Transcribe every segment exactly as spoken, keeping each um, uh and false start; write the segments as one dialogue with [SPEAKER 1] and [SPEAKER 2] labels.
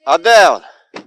[SPEAKER 1] А де он?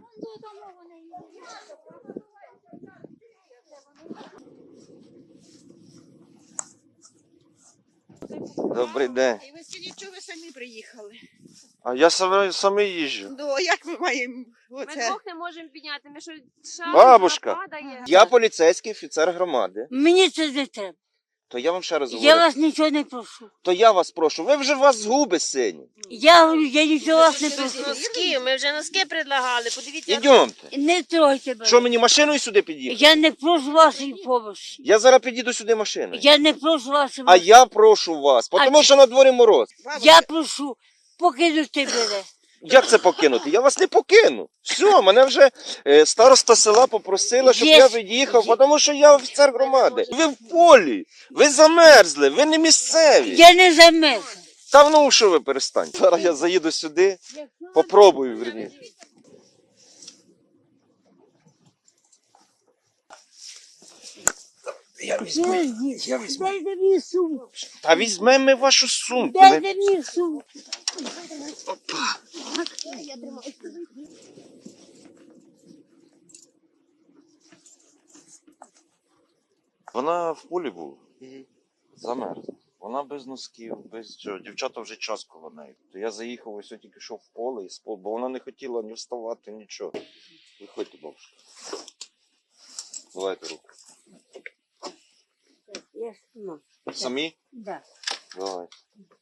[SPEAKER 1] Добрий день.
[SPEAKER 2] І ви скажіть, чого ви самі приїхали?
[SPEAKER 1] А я саме, саме їжджу.
[SPEAKER 2] Ну, а як ми маємо
[SPEAKER 3] Ми
[SPEAKER 2] оце?
[SPEAKER 3] двох не можемо підняти, ми що шаг
[SPEAKER 1] Бабушка,
[SPEAKER 3] падає.
[SPEAKER 1] я поліцейський офіцер громади.
[SPEAKER 4] Мені це не треба.
[SPEAKER 1] То я вам ще раз говорю.
[SPEAKER 4] Я вас нічого не прошу.
[SPEAKER 1] То я вас прошу. Ви вже у вас згуби сині.
[SPEAKER 4] Я говорю, я нічого вас не
[SPEAKER 3] Без
[SPEAKER 4] прошу.
[SPEAKER 3] носків, ми вже носки предлагали, подивіться.
[SPEAKER 1] Ідемте.
[SPEAKER 4] Не тройте мене.
[SPEAKER 1] Що мені машиною сюди під'їхати?
[SPEAKER 4] Я не прошу вашої допомоги.
[SPEAKER 1] Я зараз підійду сюди машиною.
[SPEAKER 4] Я не прошу вашої
[SPEAKER 1] А
[SPEAKER 4] допомоги.
[SPEAKER 1] я прошу вас, тому що на дворі мороз.
[SPEAKER 4] Я прошу покинути мене.
[SPEAKER 1] Як це покинути? Я вас не покину. Все, мене вже е, староста села попросила, щоб
[SPEAKER 4] Є.
[SPEAKER 1] я від'їхав, тому що я офіцер громади. Ви в полі, ви замерзли, ви не місцеві.
[SPEAKER 4] Я не замерзла.
[SPEAKER 1] Та ну що ви перестаньте. Зараз я заїду сюди, попробую, верні. Я візьму, я візьму.
[SPEAKER 4] Дайте мені сумку.
[SPEAKER 1] Та візьмемо ми вашу сумку.
[SPEAKER 4] Дайте мені сумку.
[SPEAKER 1] Вона в полі була. Замерзла. Вона без носків, без чого. Дівчата вже час коло неї. То я заїхав, ось я тільки йшов в поле і спав, бо вона не хотіла ні вставати, нічого. Виходьте, бабушка. Давайте руку.
[SPEAKER 4] Я сама.
[SPEAKER 1] Самі?
[SPEAKER 4] Да.
[SPEAKER 1] Давай.